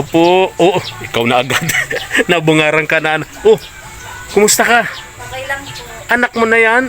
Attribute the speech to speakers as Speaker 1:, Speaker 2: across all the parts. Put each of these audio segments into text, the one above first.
Speaker 1: Po, oh, ikaw na agad. Nabungaran ka na. Oh, kumusta ka?
Speaker 2: Okay lang po.
Speaker 1: Anak mo na yan?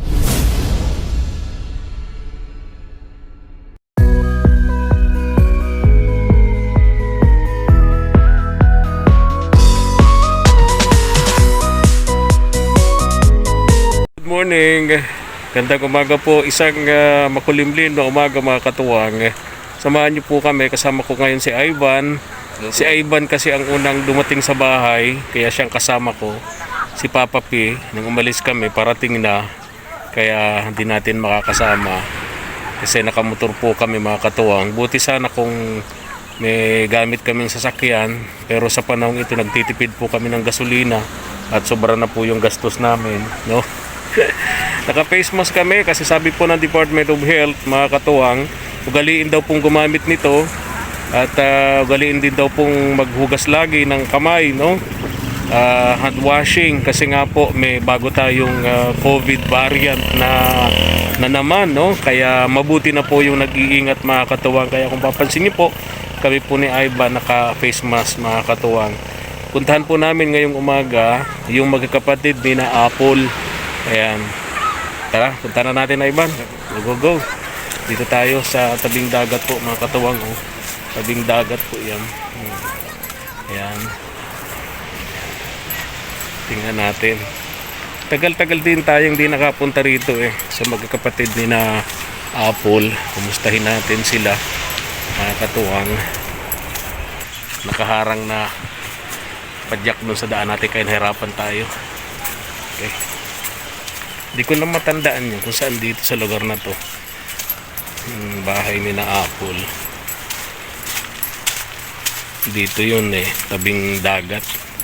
Speaker 1: Good morning. Gandang umaga po. Isang makulimlim na umaga mga katuwang. Samahan niyo po kami. Kasama ko ngayon si Ivan. Si Ivan kasi ang unang dumating sa bahay. Kaya siyang kasama ko. Si Papa P. Nang umalis kami, parating na. Kaya hindi natin makakasama. Kasi nakamotor po kami mga katuwang. Buti sana kung may gamit kaming sasakyan. Pero sa panahon ito nagtitipid po kami ng gasolina. At sobra na po yung gastos namin. No? Naka-face mask kami kasi sabi po ng Department of Health mga katuwang, ugaliin daw pong gumamit nito at ugaliin din daw pong maghugas lagi ng kamay, no? Hand washing kasi nga po may bago tayong COVID variant na naman, no? Kaya mabuti na po yung nag-iingat mga katuwang. Kaya kung papansin niyo po, kami po ni Ivan naka-face mask mga katuwang. Puntahan po namin ngayong umaga yung magkakapatid ni na Apple. Ayan. Tara, punta na natin na Ivan. Go, go, go. Dito tayo sa tabing dagat po mga katuwang. Oh. Tabing dagat po yan. Ayan. Tingnan natin. Tagal-tagal din tayong di nakapunta rito eh. Sa magkakapatid ni na Apple. Kumustahin natin sila. Mga katuwang. Nakaharang na padyak dun sa daan natin kaya nahirapan tayo. Okay. Di ko na matandaan yun kung saan dito sa lugar na to. Bahay ni na Apple. Dito yun eh, tabing dagat.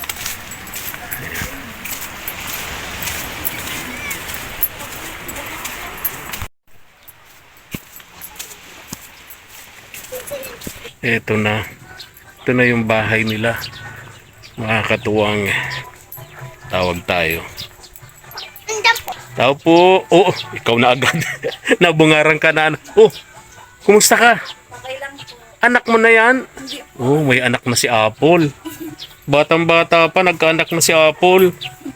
Speaker 1: Ito na. Ito na yung bahay nila. Makakatuwang tawag tayo. Tao po. Oh, ikaw na agad. Nabungaran ka na. Oh, kumusta ka?
Speaker 2: Okay lang po.
Speaker 1: Anak mo na yan?
Speaker 2: Hindi po.
Speaker 1: Oh, may anak na si Apple. Batang-bata pa, nagkaanak na si Apple.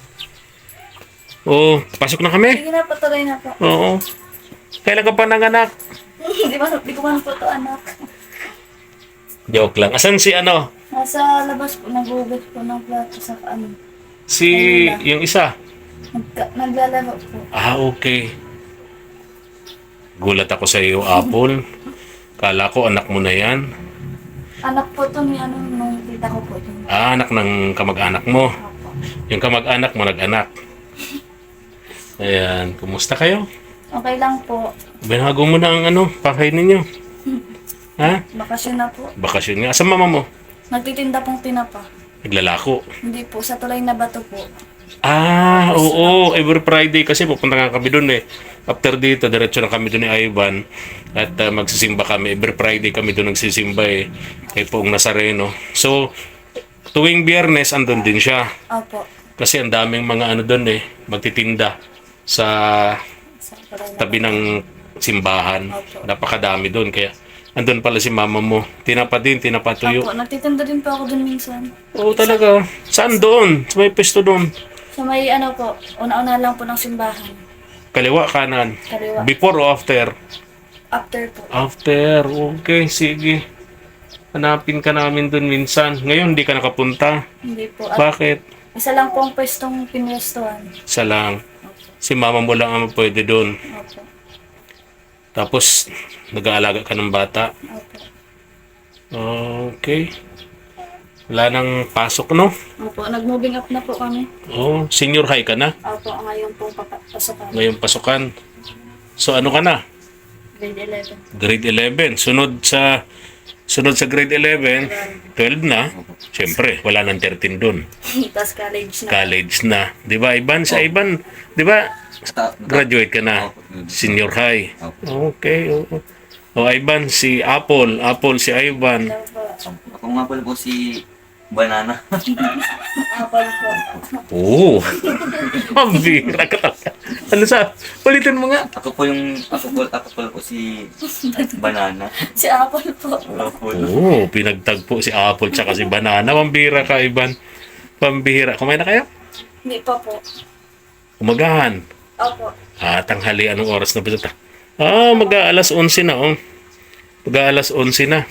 Speaker 1: Oh, pasok na kami?
Speaker 2: Sige na, patuloy na po.
Speaker 1: Oo. Kailan ka pa nanganak?
Speaker 2: Di ko man po ito anak.
Speaker 1: Joke lang. Asan si ano?
Speaker 2: Nasa labas po, naghugas po ng plato sa ano.
Speaker 1: Si yung isa?
Speaker 2: Naglalaro po.
Speaker 1: Ah, okay. Gulat ako sa iyo, Apple. Kala ko anak mo na yan.
Speaker 2: Anak po ito ni ano, nung tita ko po ito.
Speaker 1: Ah, anak ng kamag-anak mo.
Speaker 2: Opo.
Speaker 1: Yung kamag-anak mo nag-anak. Ayan, kumusta kayo?
Speaker 2: Okay lang po.
Speaker 1: Binago mo na ang ano, pakay ninyo. Ha?
Speaker 2: Bakasyon na po.
Speaker 1: Bakasyon nga. Asa mama mo?
Speaker 2: Nagtitinda pong tinapa.
Speaker 1: Naglalako.
Speaker 2: Hindi po, sa tulay na bato po.
Speaker 1: Ah, oo. Every Friday kasi pupunta nga kami doon eh. After dito, diretso na kami doon ni Ivan. At magsisimba kami. Every Friday kami doon nagsisimba eh. Kay Poong Nazareno. So, tuwing Biyernes, andun din siya.
Speaker 2: Opo.
Speaker 1: Kasi ang daming mga ano doon eh. Magtitinda sa
Speaker 2: Sa tulay na
Speaker 1: tabi ng simbahan.
Speaker 2: Opo.
Speaker 1: Napakadami doon. Kaya andun pala si mama mo. Tinapa din, tinapa tuyo.
Speaker 2: Opo, nagtitinda din po ako dun minsan.
Speaker 1: Oo talaga. Saan doon? Sa may pesto doon?
Speaker 2: Sa may ano po, una-una lang po ng simbahan.
Speaker 1: Kaliwa, kanan?
Speaker 2: Kaliwa.
Speaker 1: Before o after?
Speaker 2: After po.
Speaker 1: After. Okay, sige. Hanapin ka namin doon minsan. Ngayon, hindi ka nakapunta.
Speaker 2: Hindi po. At
Speaker 1: Bakit?
Speaker 2: isa lang po ang pwestong pinwestuhan.
Speaker 1: Isa lang. Si mama mo lang ang pwede doon.
Speaker 2: Opo.
Speaker 1: Tapos, nag-aalaga ka ng bata.
Speaker 2: Opo.
Speaker 1: Okay. Wala nang pasok, no?
Speaker 2: Opo, nag-moving up na po kami.
Speaker 1: Oh, senior high ka na.
Speaker 2: Opo, ngayon pong papasokan.
Speaker 1: Ngayong pasukan. So, ano ka na?
Speaker 2: Grade 11.
Speaker 1: Grade 11. Sunod sa grade 11, 12 na. Siyempre, wala nang 13 doon.
Speaker 2: Tapos college na.
Speaker 1: College na. 'Di ba, Ivan? Sa Ivan, 'di ba? Graduate ka na. Senior high. Okay. Oo. O Ivan, si Apple. Apple, si Ivan.
Speaker 2: Hello po.
Speaker 3: Ako nga pala po si Banana.
Speaker 2: Apple po.
Speaker 1: Oo. Mabira ka talaga. Ano sa? Ulitin mo nga.
Speaker 3: Ako po si Banana.
Speaker 2: Si Apple po.
Speaker 3: Apple.
Speaker 1: Oo, pinagtagpo si Apple tsaka si Banana. Pambihira ka, Ivan. Pambihira. Kumain na kayo?
Speaker 2: Hindi pa po.
Speaker 1: Umagahan.
Speaker 2: Opo.
Speaker 1: Tanghali, anong oras na ba ito? Mag-aalas 11 na, oh. Mag-aalas 11 na.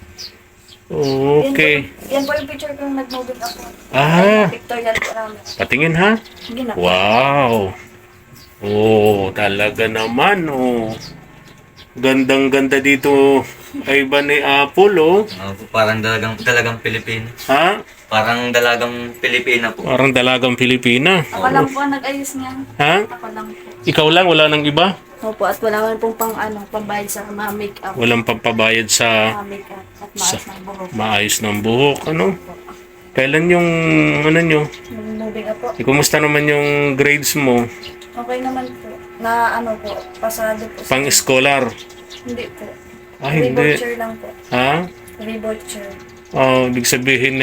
Speaker 1: Okay.
Speaker 2: Yan po yung picture kong nag-moving ako. Pictorial po namin.
Speaker 1: Patingin, ha?
Speaker 2: Hindi na.
Speaker 1: Wow. Talaga naman, Gandang-ganda dito, Ivan ni Apple,
Speaker 3: Parang dalagang Pilipina.
Speaker 1: Ha?
Speaker 3: Parang dalagang Pilipina po.
Speaker 1: Parang dalagang Pilipina.
Speaker 2: Ako lang po ang nag-ayos niyan.
Speaker 1: Ha?
Speaker 2: Ako lang po.
Speaker 1: Ikaw lang, wala nang iba?
Speaker 2: Opo, at wala man pong pambayad sa mga make-up.
Speaker 1: Walang pampabayad sa
Speaker 2: Mga make-up at maas ng buhok.
Speaker 1: maayos ng buhok, Kailan yung, nyo?
Speaker 2: Yung moving up po.
Speaker 1: Kumusta naman yung grades mo?
Speaker 2: Okay naman po. Na po, pasado po.
Speaker 1: Pang-scholar?
Speaker 2: Hindi po.
Speaker 1: Hindi.
Speaker 2: Reboucher lang po.
Speaker 1: Ha?
Speaker 2: Reboucher.
Speaker 1: Ibig sabihin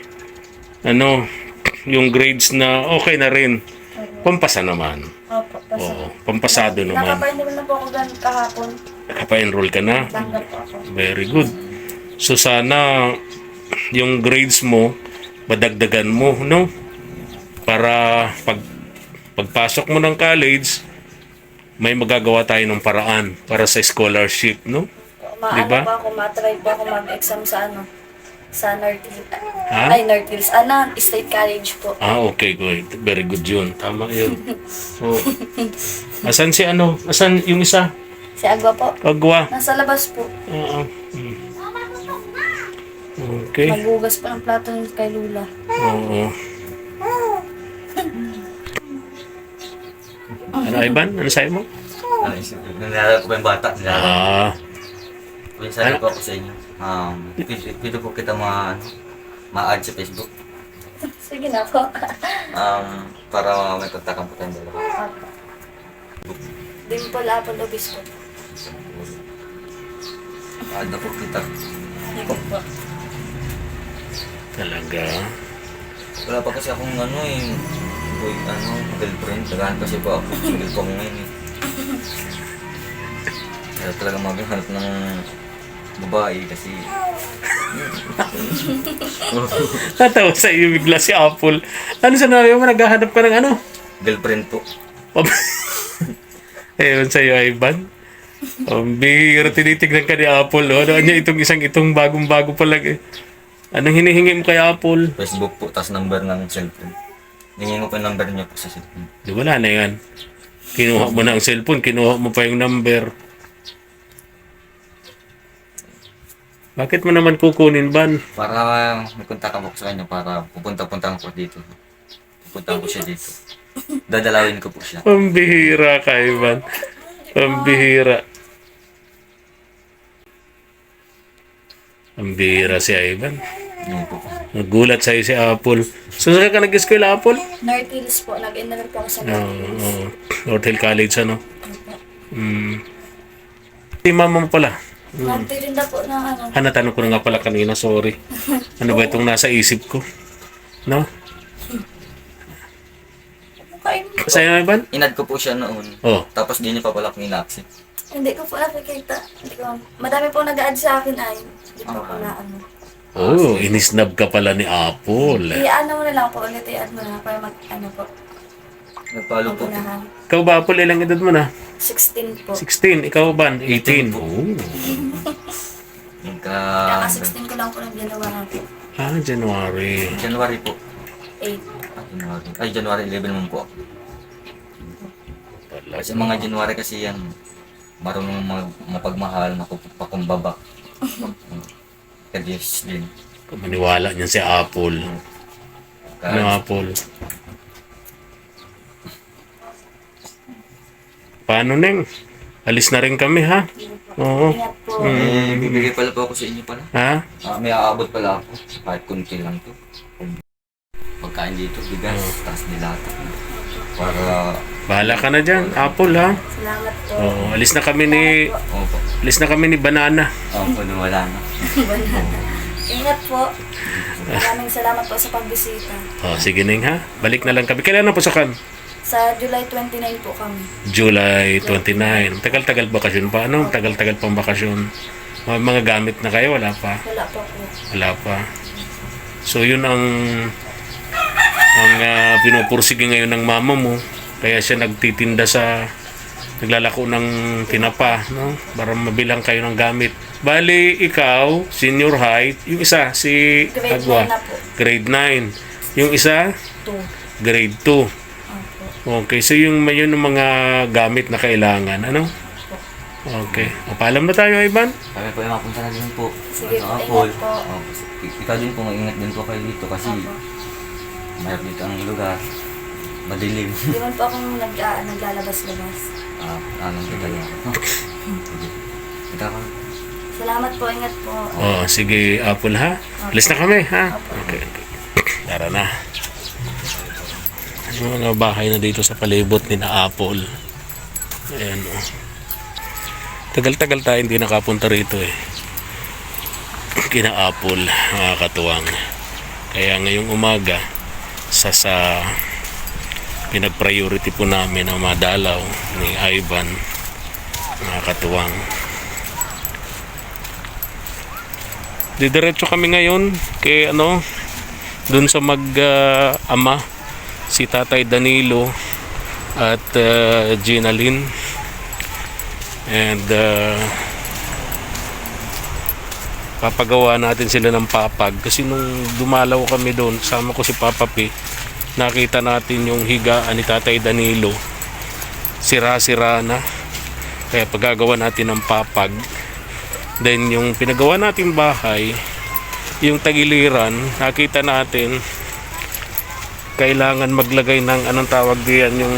Speaker 1: yung grades na okay na rin. Pampasa naman.
Speaker 2: Opo, pasado.
Speaker 1: Pampasado naman.
Speaker 2: Nakapainil na po ako ganun kahapon.
Speaker 1: Nakapa-enroll ka na?
Speaker 2: Tanggap po ako.
Speaker 1: Very good. So sana yung grades mo, madagdagan mo, Para pagpasok mo ng college, may magagawa tayo ng paraan para sa scholarship, Diba?
Speaker 2: Pa ako, matry po ako mag-exam sa sa North Hills.
Speaker 1: Ha?
Speaker 2: Ay, North Hills. State College po.
Speaker 1: Okay, good. Very good yun. Tama yun. Asan Asan yung isa?
Speaker 2: Si Agwa po.
Speaker 1: Agwa.
Speaker 2: Nasa labas po.
Speaker 1: Okay.
Speaker 2: Magugas pa ng plato kay Lula.
Speaker 1: Oo. Ano, Ivan? Ano sa'yo mo?
Speaker 3: Nalala ko pa yung bata. Sabi ko ako sa inyo. Pwede po kita ma-add sa Facebook.
Speaker 2: Sige na po.
Speaker 3: Para may kontakan po tayong dalawa.
Speaker 2: Dimple Apple Obispo.
Speaker 3: Add na po kita.
Speaker 2: Hindi ko po.
Speaker 1: Talaga.
Speaker 3: Wala pa kasi akong girlfriend. Naghahanap kasi po ako. Single po ako ngayon Kaya talaga maghanap ng babae kasi
Speaker 1: Natawa sa iyo bigla si Apple. Ano sinabi mo? Naghahanap ka ng
Speaker 3: girlfriend po.
Speaker 1: Ewan sa'yo, Ivan. Bihira, tinitignan ka ni Apple. Ano niya itong bagong-bago pa lang Anong hinihingi mo kay Apple?
Speaker 3: Facebook po, tas number ng cellphone. Hingin ko po yung number niya po sa cellphone.
Speaker 1: Di wala na yan. Kinuha mo na ang cellphone, kinuha mo pa yung number. Bakit mo naman kukunin, Ban?
Speaker 3: Para may kontakan po ko sa kanya para pupunta-puntahan ko dito. Pupuntahan ko siya dito. Dadalawin ko po siya.
Speaker 1: Pambihira ka, Ivan. Pambihira. Pambihira si Ivan.
Speaker 3: Yun po.
Speaker 1: Nagulat sa'yo si Apple. So, saan ka nag-eskwela, Apple?
Speaker 2: North Hills po. Nag-enroll po ako sa North Hills.
Speaker 1: North Hill College, Si mama mo pala.
Speaker 2: Nagtirinda po ng
Speaker 1: Natanong ko na nga pala kanina, sorry. Ano ba itong nasa isip ko? No?
Speaker 2: Kain.
Speaker 1: Sa'yo, Ivan?
Speaker 3: Inad ko po siya noon. Tapos di niya pa pala akong in-accept.
Speaker 2: Hindi ko po nakikita. Madami po nag-add sa akin ay. Hindi po ko na
Speaker 1: Inisnab ka pala ni Apple.
Speaker 2: Mo na lang po ulit. I-add mo na para po.
Speaker 3: Nagpalo po.
Speaker 2: Magunahan.
Speaker 1: Ikaw ba, Apple, ilang edad mo na?
Speaker 2: 16 po.
Speaker 1: 16. Ikaw ba? 18.
Speaker 2: Kaya 16 ko lang po ng January.
Speaker 1: January.
Speaker 3: January po.
Speaker 2: 8.
Speaker 3: January 11 naman po ako. Kasi mga January kasi yan, marunong mapagmahal, mapakumbaba. Kadyos din.
Speaker 1: Maniwala niyan si Apple. Ano, Apple? Paano, Neng? Alis na rin kami, ha? Oo.
Speaker 2: Ingat po.
Speaker 3: Bibigay pala po ako sa inyo pala.
Speaker 1: Ha?
Speaker 3: May aabot pala ako. Kahit kunti lang to. Pagkain dito, bigas, tas nilata. Para...
Speaker 1: Bahala ka na dyan, Apple, ha?
Speaker 2: Salamat po.
Speaker 1: Alis na kami ni Banana.
Speaker 3: Wala na.
Speaker 2: Ingat po. Maraming salamat po sa pagbisita.
Speaker 1: Sige, Neng, ha? Balik na lang kami. Kailan na pasokan?
Speaker 2: Sa July 29 po kami.
Speaker 1: July 29. Tagal-tagal bakasyon pa. Ano? Tagal-tagal pang bakasyon. Mga gamit na kayo? Wala pa?
Speaker 2: Wala pa po.
Speaker 1: Wala pa. So yun ang pinupursige ngayon ng mama mo. Kaya siya nagtitinda naglalako ng tinapa, no? Para mabilang kayo ng gamit. Bali, ikaw, senior high, yung isa, si
Speaker 2: Grade
Speaker 1: Agwa,
Speaker 2: 9 na po.
Speaker 1: grade 9. Yung isa,
Speaker 2: 2.
Speaker 1: grade 2.
Speaker 2: Opo.
Speaker 1: Okay, so yung yun ang mga gamit na kailangan, ano? Okay. O, paalam na tayo, Ivan.
Speaker 3: Kami po ay mapunta na din po.
Speaker 2: Sige
Speaker 3: Ano,
Speaker 2: po,
Speaker 3: Paul?
Speaker 2: ingat po.
Speaker 3: Oh, ikaw din po, mag-ingat din po kayo dito kasi
Speaker 2: Opo.
Speaker 3: mahirap dito ang lugar. Madilim.
Speaker 2: Hindi man po akong naglalabas-labas.
Speaker 3: Anong tagal ako. Ito ako.
Speaker 2: Salamat po, ingat po.
Speaker 1: Oh, sige, Apple ha. Alis na kami, ha? Okay. Tara na. Yung mga bahay na dito sa palibot ni na Apple. Ayan, oh. Tagal-tagal tayo hindi nakapunta rito eh. Kina Apple, mga katuwang. Kaya ngayong umaga, sa pinag-priority po namin ang madalaw ni Ivan, mga katuwang. Didiretso kami ngayon kay dun sa ama, si Tatay Danilo at Gina Lynn. And papagawa natin sila ng papag kasi nung dumalaw kami doon, sama ko si Papa P, nakita natin yung higaan ni Tatay Danilo, sira-sira na, kaya paggagawa natin ng papag. Then yung pinagawa natin bahay, yung tagiliran, nakita natin kailangan maglagay ng anong tawag diyan, yung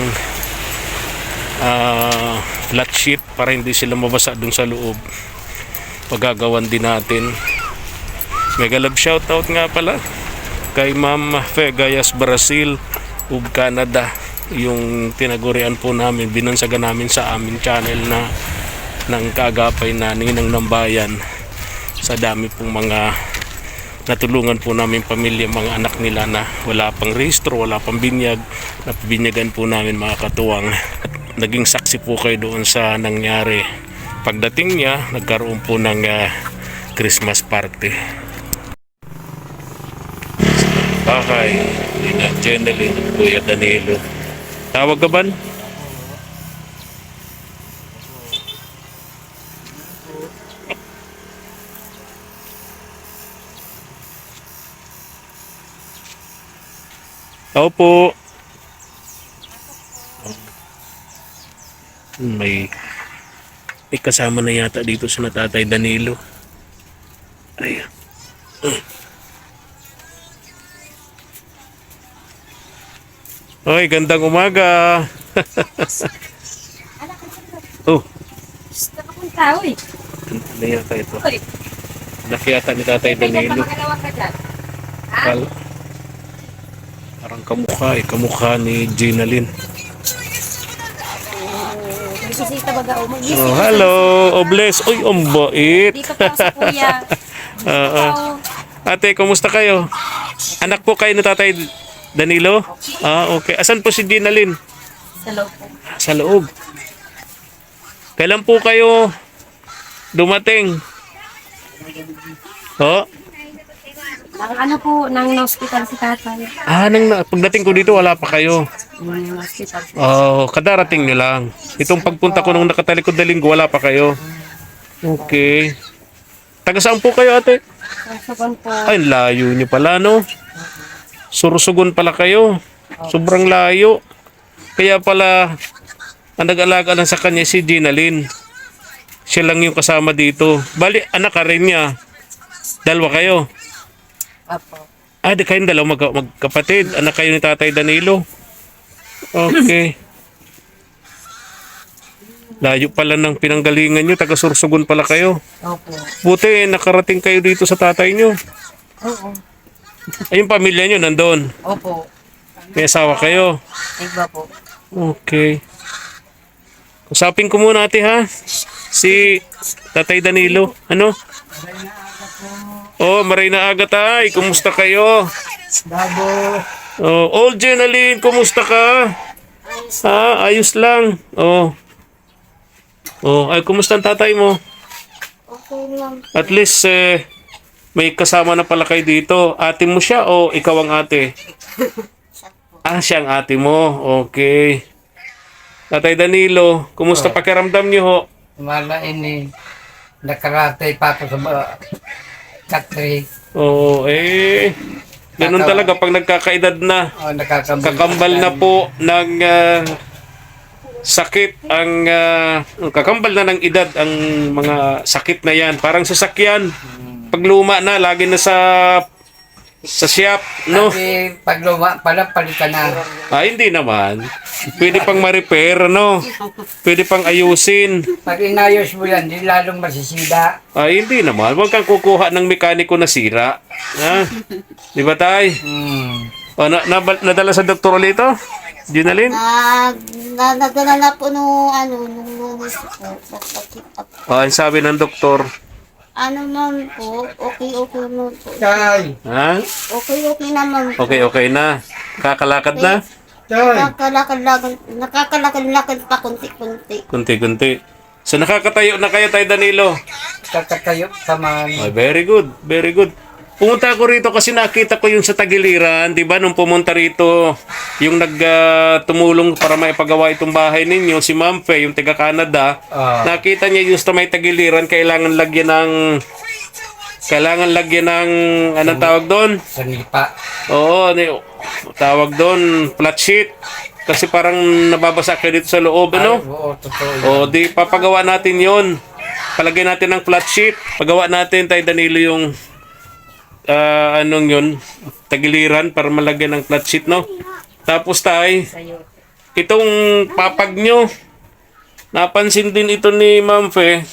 Speaker 1: flat sheet para hindi sila mabasa dun sa loob. Pagagawan din natin. Mega love shoutout nga pala kay Ma'am Fegayas Brazil ug Canada, yung tinagurian po namin, binansagan namin sa amin channel na ng kaagapay na Ninang ng Bayan. Sa dami pong mga natulungan po namin pamilya, mga anak nila na wala pang rehistro, wala pang binyag, napabinyagan po namin, mga katuwang. Naging saksi po kayo doon sa nangyari. Pagdating niya, nagkaroon po ng Christmas party. Bakay, Ina Jeneline, Kuya Danilo. Tawag ka ba? Opo. May kasama na yata dito sa Tatay Danilo. Ayan. Hoy, gandang umaga. Oh,
Speaker 4: Nakapunta, uy.
Speaker 1: ano yata ito?
Speaker 4: Uy.
Speaker 1: Laki yata ni Tatay
Speaker 4: May
Speaker 1: Danilo.
Speaker 4: magalawa ka dyan.
Speaker 1: Parang kamukha ni Gina Lynn.
Speaker 4: Bisita baga o.
Speaker 1: Oh, hello, Obles. Uy, ang bait.
Speaker 4: Dito po sa kuya.
Speaker 1: Oo. Ate, kumusta kayo? Anak po kayo ni Tatay Danilo? Ah, okay. Asan po si Gina Lynn?
Speaker 4: Sa loob po.
Speaker 1: Sa loob. Kailan po kayo dumating? Oh?
Speaker 4: Ang po, nang hospital si tatay.
Speaker 1: Pagdating ko dito, wala pa kayo.
Speaker 4: Nang hospital.
Speaker 1: Oh, kadarating nyo lang. Itong pagpunta ko nung nakatalikod na linggo, wala pa kayo. Okay. Taga saan po kayo, ate?
Speaker 4: Susugan po.
Speaker 1: Ay, layo nyo pala, no? Sursugon pala kayo. Sobrang layo. Kaya pala, ang nag-alaga lang sa kanya si Gina Lynn. Siya lang yung kasama dito. Bali, anak ka rin niya. Dalawa kayo.
Speaker 4: Apo.
Speaker 1: Di kayong dalawa magkapatid. Anak kayo ni Tatay Danilo. Okay. Layo pala ng pinanggalingan nyo. Taga Sursugon pala kayo.
Speaker 4: Opo.
Speaker 1: Buti, nakarating kayo dito sa tatay nyo.
Speaker 4: Oo.
Speaker 1: Ay, yung pamilya nyo nandun.
Speaker 4: Opo.
Speaker 1: May asawa kayo.
Speaker 4: Iba po.
Speaker 1: Okay. Usapin ko muna, ate, ha? Si Tatay Danilo. Ano? Oh, maray na aga, tay. Kumusta kayo?
Speaker 4: Dabo.
Speaker 1: Oh, Old Jenaline, kumusta ka? Ayos lang. Oh. Oh, ay kumusta ang tatay mo?
Speaker 4: Okay lang.
Speaker 1: At least may kasama na pala kayo dito. Ate mo siya o ikaw ang ate? Siya ang ate mo. Okay. Tatay Danilo, kumusta pakiramdam niyo ho?
Speaker 5: Wala ini. Nakaratay pa ako sa factory.
Speaker 1: Oo, ganun talaga pag nagkakaedad na. Kakambal na po ng sakit ang kakambal na ng edad ang mga sakit na yan. Parang sasakyan. Pag luma na, lagi na sa shop, no?
Speaker 5: Kasi pag luma pala, palitan na.
Speaker 1: Hindi naman. Pwede pang ma-repair, no? Pwede pang ayusin.
Speaker 5: Pag inayos mo yan, di lalong masisida.
Speaker 1: Hindi naman. Huwag kang kukuha ng mekaniko na sira. Ha? Di ba, tay? Nadala sa doktor ulit ito? Ginalyn?
Speaker 4: Nadala na po nung lunes po. Nagpa-check up.
Speaker 1: Ang sabi ng doktor.
Speaker 4: Ano naman po, okay naman po.
Speaker 5: Tay!
Speaker 1: Ha?
Speaker 4: Okay naman po.
Speaker 1: Okay na. Kakalakad na?
Speaker 5: Tay!
Speaker 4: Nakakalakad pa konti-konti.
Speaker 1: Kunti-kunti. So nakakatayo na kayo, tay Danilo?
Speaker 5: Kakatayo sa
Speaker 1: Very good. Very good. Pumunta ako rito kasi nakita ko yung sa Tagiliran, di ba? Nung pumunta rito, yung tumulong para maipagawa itong bahay ninyo, si Ma'am Fe, yung taga Canada, nakita niya yung sa may Tagiliran, kailangan lagyan ng, anong tawag doon?
Speaker 5: Sanipa.
Speaker 1: Oo, tawag doon, flat sheet. Kasi parang nababasa kayo dito sa loob, ano?
Speaker 5: Oo, totoo.
Speaker 1: Di papagawa natin yon. Palagay natin ng flat sheet. Pagawa natin, tay Danilo, yung yun, Tagiliran para malagyan ng flat sheet, no? Tapos tay, itong papag nyo, napansin din ito ni Ma'am Fe,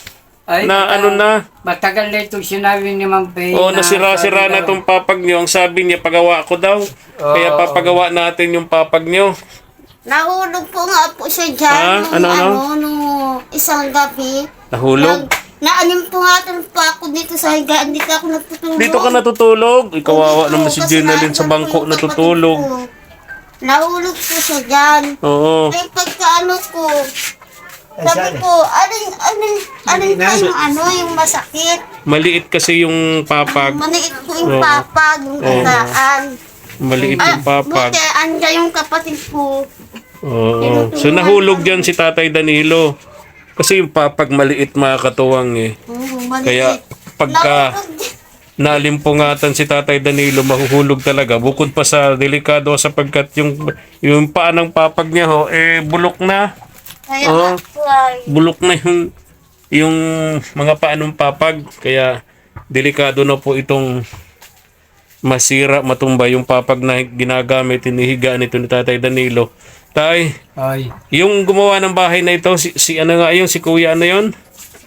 Speaker 5: Matagal na itong sinabi ni Ma'am Faye.
Speaker 1: nasira-sira na itong papag nyo. Ang sabi niya, pagawa ko daw. Kaya papagawa natin yung papag nyo.
Speaker 4: Nahulog po nga po siya dyan nung isang gabi.
Speaker 1: Nahulog?
Speaker 4: Naanim po nga po ako dito sa higaan. Dito ako natutulog.
Speaker 1: Dito ka natutulog? Ikawawa naman si Ginalyn sa bangko natutulog.
Speaker 4: Nahulog po siya dyan.
Speaker 1: Oo.
Speaker 4: Ay pagkaano ko, sabi ko, alin pa yung masakit.
Speaker 1: Maliit kasi yung papag.
Speaker 4: Maliit po yung papag, yung kataan.
Speaker 1: Maliit yung papag.
Speaker 4: Buti, andyan yung kapatid ko.
Speaker 1: Oo. So nahulog dyan si Tatay Danilo. Kasi yung papag maliit, mga katuwang Kaya pagka nalimpungatan si Tatay Danilo, mahuhulog talaga. Bukod pa sa delikado sapagkat yung paa ng papag niya bulok na.
Speaker 4: Kaya
Speaker 1: Bulok na yung mga paa ng papag. Kaya delikado na po itong masira, matumba yung papag na ginagamit, hinihigaan ito ni Tatay Danilo. Tay, yung gumawa ng bahay na ito, si kuya yun?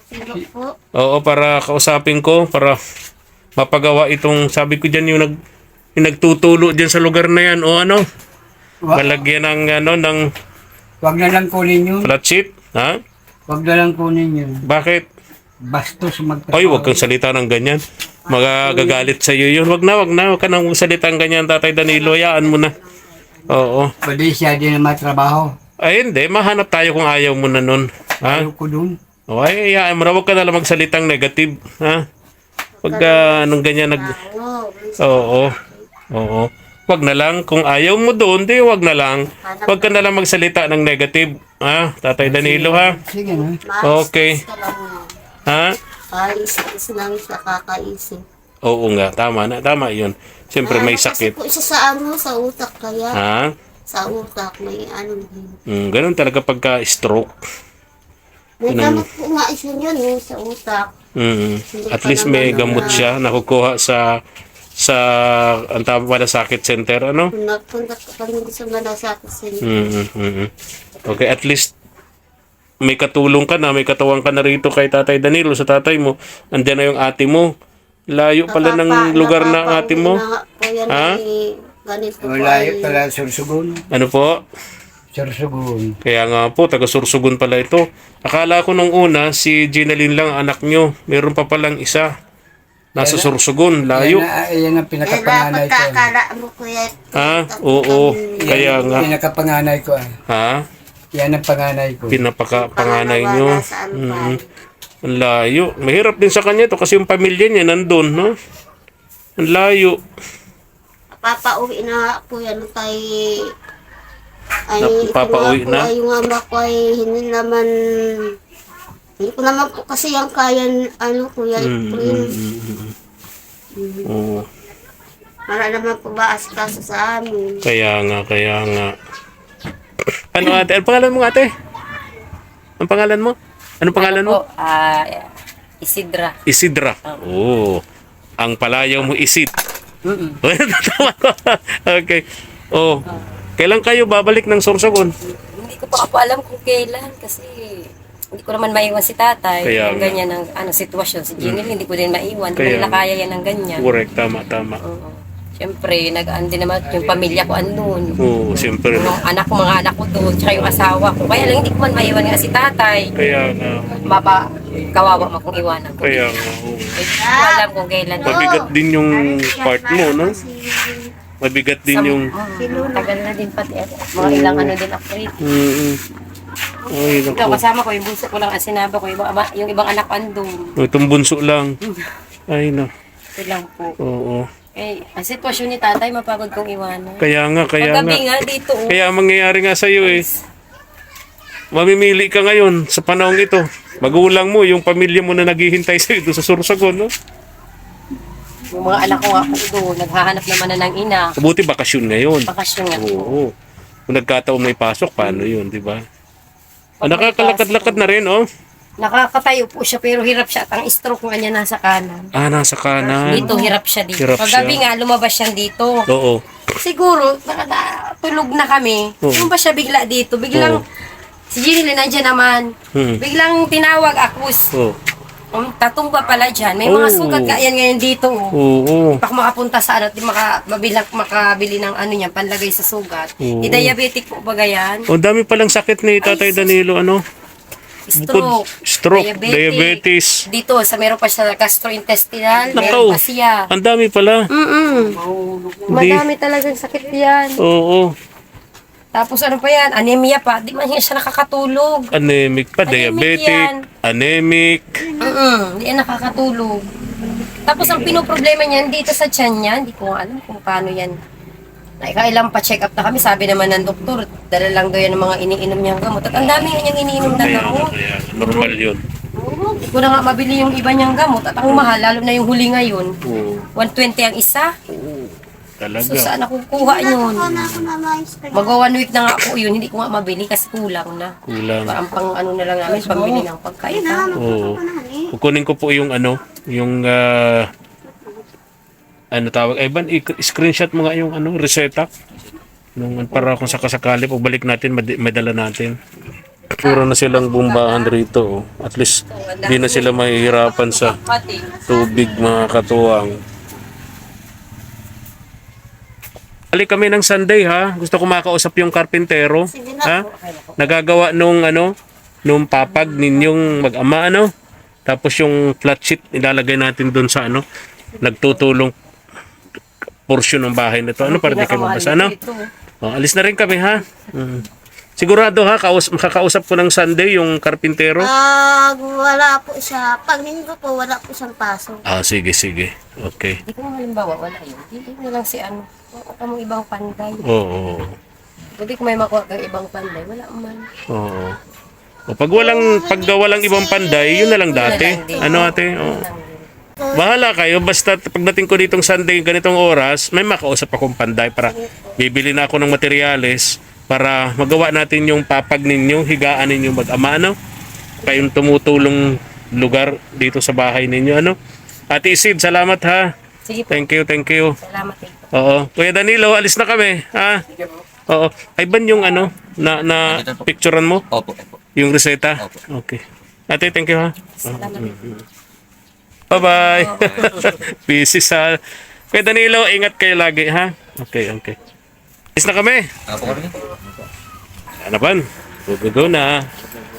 Speaker 1: Oo, para kausapin ko, para mapagawa itong, sabi ko dyan, yung nagtutulo dyan sa lugar na yan, malagyan ng
Speaker 5: Wag na lang kunin yun.
Speaker 1: flat sheet, ha?
Speaker 5: Wag na lang kunin yun.
Speaker 1: Bakit?
Speaker 5: Bastos
Speaker 1: Ay, wag kang salita ng ganyan. Magagalit sa iyo yun. Wag ka nang salita ng ganyan, Tatay Danilo, hayaan mo na. Oo.
Speaker 5: Pwede siya din na matrabaho.
Speaker 1: Ay, hindi. Mahanap tayo kung ayaw mo na nun. Ha?
Speaker 5: Ayaw ko dun.
Speaker 1: Ay, hayaan mo na. Huwag ka na lang magsalitang negative. Ha? Huwag ka nung ganyan Oo. Huwag na lang. Kung ayaw mo doon, di huwag na lang. Huwag ka na lang magsalita ng negative. Ha? Tatay Danilo, ha?
Speaker 5: Sige na.
Speaker 1: Okay. Ha?
Speaker 4: Ayos lang siya kakaisip.
Speaker 1: Oo nga. Tama na. Tama yun. Siyempre may sakit.
Speaker 4: Kasi po siya sa utak kaya.
Speaker 1: Ha?
Speaker 4: Sa utak may din.
Speaker 1: Ganun talaga pagka-stroke.
Speaker 4: May gamot po nga isa yun sa utak.
Speaker 1: At least may gamot siya nakukuha sa ang tawag pala sakit center, ano?
Speaker 4: Punta ka pa rin sa malasakit center.
Speaker 1: Okay, at least may katulong ka na, may katawang ka na rito kay Tatay Danilo, sa tatay mo. Andiyan na yung ate mo. Layo pala ng lugar na ate mo. Ha?
Speaker 4: Ganito po
Speaker 5: Malayo pala Sursugun.
Speaker 1: Ano po?
Speaker 5: Sursugun.
Speaker 1: Kaya nga po, taga Sursugun pala ito. Akala ko nung una, si Ginalyn lang anak nyo. Meron pa palang isa. Nasa Sursugun, layo.
Speaker 5: Yan ang pinakapanganay ko.
Speaker 4: Pagkakala mo kuya.
Speaker 1: Ha? Oo, kaya nga.
Speaker 5: Pinakapanganay ko.
Speaker 1: Ha?
Speaker 5: Yan ang panganay ko.
Speaker 1: Pinapaka-panganay
Speaker 4: Pangalawa
Speaker 1: nyo.
Speaker 4: nasa Albay.
Speaker 1: Ang layo. Mahirap din sa kanya to kasi yung pamilya niya nandun, no? Ang layo.
Speaker 4: Papauwi na po yan kay... Ay,
Speaker 1: Papauwi
Speaker 4: ito nga po,
Speaker 1: na?
Speaker 4: ay, yung ama ko ay hindi ko naman po kasi yung kaya, Kuya Efren.
Speaker 1: Oo.
Speaker 4: Para naman po ba asikaso sa amin.
Speaker 1: Kaya nga. Ano ate? Ano pangalan mo ate? Ang pangalan mo? Anong pangalan mo?
Speaker 6: Po, Isidra.
Speaker 1: Isidra. Oo. Ang palayaw mo Isid. Tama ko. Okay. Oh. Kailan kayo babalik ng Sorsogon?
Speaker 6: Hindi ko pa po alam kung kailan kasi hindi ko naman maiwan si tatay.
Speaker 1: Kaya
Speaker 6: Yung
Speaker 1: nga.
Speaker 6: ganyan ang sitwasyon. Si Jenny hindi ko din maiwan. Hindi
Speaker 1: Kaya
Speaker 6: ko nila
Speaker 1: nga.
Speaker 6: kaya yan ng ganyan.
Speaker 1: Correct. Tama.
Speaker 6: Oo. Siyempre, nag-ano din naman yung pamilya ko andun.
Speaker 1: Oo, siyempre.
Speaker 6: Yung mga anak ko doon, tsaka yung asawa ko. Kaya lang hindi ko man maiwan nga si tatay.
Speaker 1: Kaya nga.
Speaker 6: Kawawa mo kung iwanan ko.
Speaker 1: Kaya nga. Oo.
Speaker 6: Hindi ko alam kung kailan.
Speaker 1: Mabigat din yung part mo, no? Mabigat din yung...
Speaker 6: Tagal na din pati. Mga ilang ano din ako rin.
Speaker 1: Ay,
Speaker 6: Ikaw,
Speaker 1: naku.
Speaker 6: kasama ko, yung bunso ko lang ang sinaba ko, yung ibang anak ko andun.
Speaker 1: Itong bunso lang. Ay, na.
Speaker 6: Ito lang po.
Speaker 1: Oo.
Speaker 6: Eh, ang sitwasyon ni tatay, mapagod kong iwanan.
Speaker 1: Kaya nga.
Speaker 6: Paggabi nga dito,
Speaker 1: Kaya ang mangyayari nga sa'yo eh. Mamimili ka ngayon sa panahong ito. Magulang mo, yung pamilya mo na naghihintay sa'yo doon sa Sorsogon, no?
Speaker 6: yung mga anak ko nga po doon, naghahanap naman na ng ina.
Speaker 1: Mabuti bakasyon ngayon.
Speaker 6: Bakasyon nga po.
Speaker 1: Oo. Kung nagkataon may pasok, paano yun, di ba? Nakakalakad-lakad na rin, oh.
Speaker 6: Nakakatayo po siya, pero hirap siya. At ang stroke nga niya nasa kanan.
Speaker 1: Nasa kanan.
Speaker 6: Dito, hirap siya dito.
Speaker 1: Hirap
Speaker 6: Paggabi
Speaker 1: siya.
Speaker 6: nga, lumabas siya dito.
Speaker 1: Oo.
Speaker 6: Siguro, tulog na kami.
Speaker 1: Oo.
Speaker 6: Yung ba siya bigla dito? Biglang, si Ginny nandiyan naman. Biglang tinawag ako.
Speaker 1: Oo.
Speaker 6: Tatumba pala dyan. May mga
Speaker 1: Oh.
Speaker 6: sugat ka yan ngayon dito.
Speaker 1: Oo.
Speaker 6: Pak makapunta sa ano, di makabili ng ano yan, panlagay sa sugat.
Speaker 1: Oo.
Speaker 6: Diabetic po ba yan?
Speaker 1: Ang dami palang sakit ni Tatay Danilo, ano? Stroke, diabetes.
Speaker 6: Dito, meron pa siya gastrointestinal,
Speaker 1: Nakaw.
Speaker 6: meron pa siya.
Speaker 1: Ang dami pala.
Speaker 6: Madami talagang sakit yan.
Speaker 1: Oo.
Speaker 6: Tapos ano pa yan, anemia pa. Di man siya nakakatulog.
Speaker 1: Anemic pa,
Speaker 6: Anemic
Speaker 1: diabetic,
Speaker 6: yan.
Speaker 1: anemic.
Speaker 6: Hindi yan nakakatulog. Tapos ang pinoproblema niyan dito sa tiyan niya, hindi ko alam kung paano yan. Nakailang pa-check up na kami, sabi naman ng doktor, dala lang daw yan ng mga iniinom niyang gamot. At ang dami nga niyang iniinom na gamot.
Speaker 1: Kaya, normal yun.
Speaker 6: Hindi ko na nga mabili yung iba niyang gamot. At ang mahal, lalo na yung huli ngayon,
Speaker 1: Oo.
Speaker 6: 120 ang isa.
Speaker 1: Talaga.
Speaker 6: So saan ako kukuha yun?
Speaker 4: Ako na mais.
Speaker 6: Magwa 1 week na nga ako yun, hindi ko nga mabili kasi kulang na.
Speaker 1: Kulang.
Speaker 6: Parang pang ano na lang namin, pambili ng pagkain.
Speaker 1: Oo. Kukunin ko po yung ano, yung ano tawag, Ivan, screenshot mo nga yung ano, reseta. Nung para kung sakasakali, pagbalik natin, may dala natin. Puro na silang bumbahan rito. Oh. At least, di na sila mahihirapan sa
Speaker 6: Pati.
Speaker 1: tubig, mga katuwang. Alik kami ng Sunday, ha? Gusto ko makausap yung karpintero. Ha? Nagagawa nung ano, nung papag ninyong mag-ama, ano? Tapos yung flat sheet, ilalagay natin doon sa ano, nagtutulong portion ng bahay na to. Ano para di kayo mabasa, ano? Oh, alis na rin kami, ha? Sigurado, ha? Makakausap ko ng Sunday yung karpintero?
Speaker 4: Wala po siya. Pag linggo po, wala po siyang pasok.
Speaker 1: Sige, sige. Okay.
Speaker 6: Hindi ko halimbawa, wala yun. Hindi na lang si ano, kamong ibang panday.
Speaker 1: Oo.
Speaker 6: Hindi ko may makuha kang ibang panday, wala man.
Speaker 1: Oo. O pag walang ibang panday, yun na lang dati. Ano ate? Oo. Bahala kayo, basta pagdating ko ditong Sunday ganitong oras, may makausap akong panday para bibili na ako ng materyales para magawa natin yung papag ninyo, higaan ninyo mag-ama, ano? Kayong tumutulong lugar dito sa bahay ninyo, ano? Ate Isid, salamat ha.
Speaker 6: Sige po,
Speaker 1: Thank you.
Speaker 6: salamat eh.
Speaker 1: Oo. Kuya Danilo, alis na kami, ha? Oo. Ay ban yung ano, na picturean mo?
Speaker 3: Opo, opo.
Speaker 1: Yung reseta? Okay. Ate, thank you ha.
Speaker 6: Salamat eh.
Speaker 1: Bye-bye. Busy sa... Kuya Danilo, ingat kayo lagi, ha? Okay. Alis na kami.
Speaker 3: Apo kami.
Speaker 1: Ano ba? Go na.